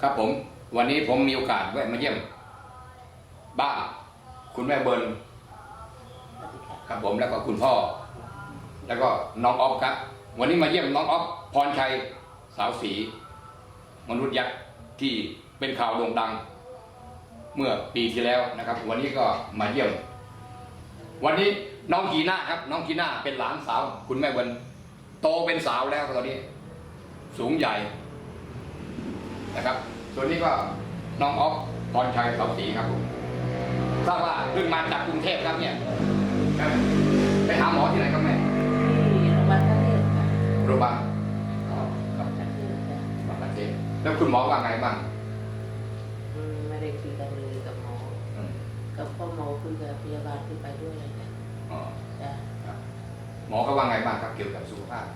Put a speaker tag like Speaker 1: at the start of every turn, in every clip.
Speaker 1: ครับผมวันนี้ผมมีโอกาสแวะมาเยี่ยมบ้านคุณแม่เบิร์นครับผมแล้วก็คุณพ่อแล้วก็น้องอ๊อฟครับวันนี้มาเยี่ยมน้องอ๊อฟพรชัยสาวศรีมนุษย์ยักษ์ที่เป็นข่าวโด่งดังเมื่อปีที่แล้วนะครับวันนี้ก็มาเยี่ยมวันนี้น้องกีน่าครับน้องกีน่าเป็นหลานสาวคุณแม่เบิร์นโตเป็นสาวแล้วตอนนี้สูงใหญ่นะครับส่วนนี้ก็น้องอ๊อฟพรชัยสาวศรีครับผมทราบว่าเพิ่งมาจากกรุงเทพครับเนี่ยไปหาหมอที่ไหนครับแม่
Speaker 2: ที่โรงพยาบาลท่าเรือค่ะ
Speaker 1: โรงพยาบาล
Speaker 2: ครับท่าเรือจ้ะ
Speaker 1: บางประเทศแล้วคุณหมอว่าไงบ้าง
Speaker 2: ไม่ได้คุยกันเลยกับหมอกับพ่อหมอคุยกับพยาบาลที่ไปด้วยเลยจ้ะจ้ะ
Speaker 1: หมอเขาว่าไงบ้างครับเกี่ยวกับสุขภาพ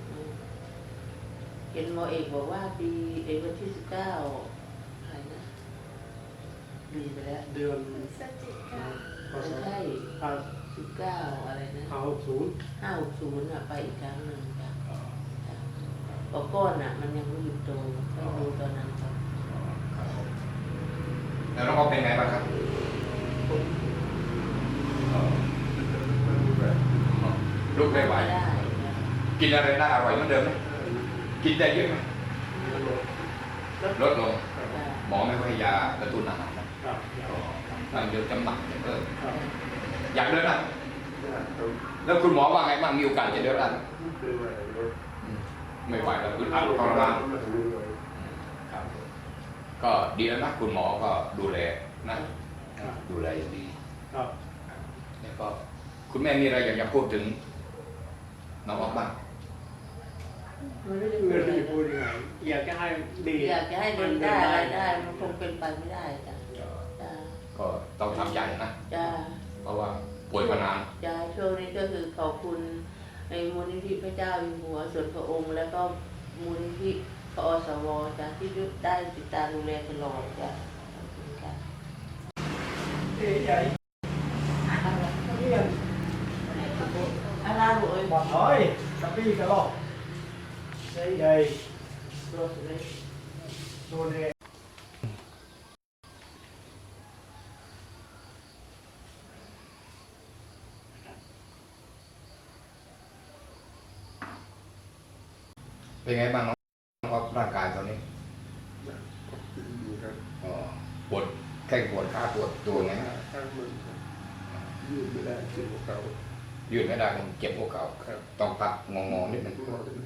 Speaker 2: เห็นหมอเอกบอกว่าปีวันที่19อะไรนะดีไปแล้ว
Speaker 3: เดือน
Speaker 2: ไม่ใช่19อะไรนะ560อ่ะไปอีกครั้งหนึ่งจ้ะปก้อนอ่ะมันยังไม่หยุดโตไปดูตอนนั้นครับ
Speaker 1: แล้วน้องอ๊อฟเป็นไงบ้างครับลูกไม่ไหว
Speaker 2: ได้
Speaker 1: กินอะไรได้อร่อยเหมือนเดิมไหมกินได้เยอะไหมลดลงหมอไม่ค่อยให้ยากระตุ้นอาหารนะนั่งเดี๋ยวจำหนักจะเพิ่มอยากเดินได้แล้วคุณหมอว่าไงบ้างมีโอกาสจะเดินได้ไม่ไหวแล้วอึดอัดทรมานครับก็ดีแล้วนะคุณหมอก็ดูแลนะดูแลอย่างดีแล้วก็คุณแม่มีอะไรอยากจะพูดถึงน้องอ๊อฟบ้าง
Speaker 3: ไม่ได้พูดยังไงอยากจะให้ดี
Speaker 2: อยากจะให้เดินได้อะไรได้มันคงเป็นไปไม่ได้จ้ะ
Speaker 1: ก็ต้องทำใจนะ
Speaker 2: จ้ะ
Speaker 1: เพราะว่าป่วยมานาน
Speaker 2: จ้ะช่วงนี้ก็คือขอบคุณในมูลนิธิพระเจ้าอยู่หัวส่วนพระองค์แล้วก็มูลนิธิพอสวจ้ะที่ได้ติดตามดูแลตลอดจ้ะ
Speaker 3: ใหญ่
Speaker 2: อะไรลูกเอ้ย
Speaker 3: บอกเฮ้ยกระปี้กระลอกใหญ่
Speaker 2: รถเลย
Speaker 3: โดนเอง
Speaker 1: เป็นไงบ้างน้องอ๊อฟร่างกายตอนนี้
Speaker 4: ดีครับ
Speaker 1: ปวดแข้งปวดขาปวดตัวไง
Speaker 4: ข้างมันยืดไม่ได้เจ็บหัวเข่า
Speaker 1: ยืดไม่ได้มันเจ็บหัวเข่าต้องตัดงอนิดนึง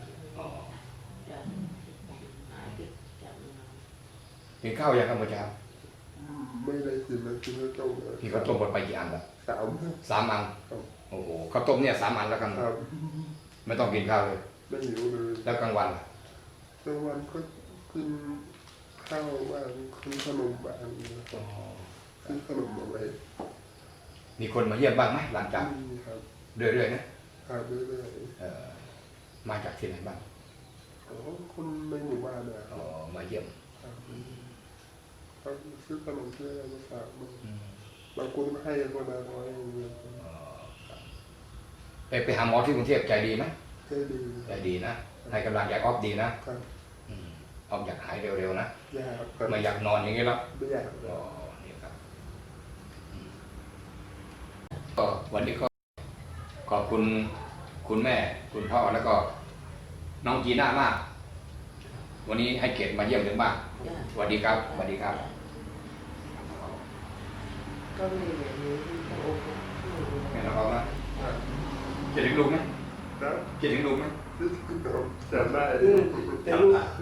Speaker 1: กินข้าวยังครับเมื่อเช้า
Speaker 4: ไม่ได้กินแล้วกินแล้วต้ม
Speaker 1: พี่ข้าวต้มหมดไปกี่อันละ3 อันโอ้โหข้าวต้มเนี่ย3 อันแล้วกันไม่ต้องกินข้าวเลย
Speaker 4: ไม่หิวเลย
Speaker 1: แล้วกลางวัน
Speaker 4: กลางวันก็กินข้าวบ้างกินขนมบ้างกินขนมอะไร
Speaker 1: มีคนมาเยี่ยมบ้างไหมหลังจากเรื่อยๆ
Speaker 4: นะครับเรื่อย
Speaker 1: ๆมาจากที่ไหนบ้าง
Speaker 4: คนในหมู่บ้านนะ
Speaker 1: มาเยี่ยม
Speaker 4: เขาซื้อขนมซื้ออะไรมาฝากบางคนก็ให้คนละ100
Speaker 1: ไปหาหมอที่กรุงเทพใจดีไหมใจดีนะให้กำลังใจอ๊อฟดีนะอ๊อฟอยากหายเร็วๆนะไม่อยากนอนอย่างนี้แล้ว
Speaker 4: ไม่อยาก
Speaker 1: นี่ครับก็วันนี้ก็ขอบคุณคุณแม่คุณพ่อแล้วก็น้องจีน่ามากวันนี้ให้เกียรติมาเยี่ยมถึงบ้านสวัสดีครับสวัสดีครับ
Speaker 2: ก็มีแบบนี้พระองค์
Speaker 1: แม่น้องอ๊อฟนะคิดถึงลูกไหมคิดถึงลูกไหม
Speaker 4: จำได้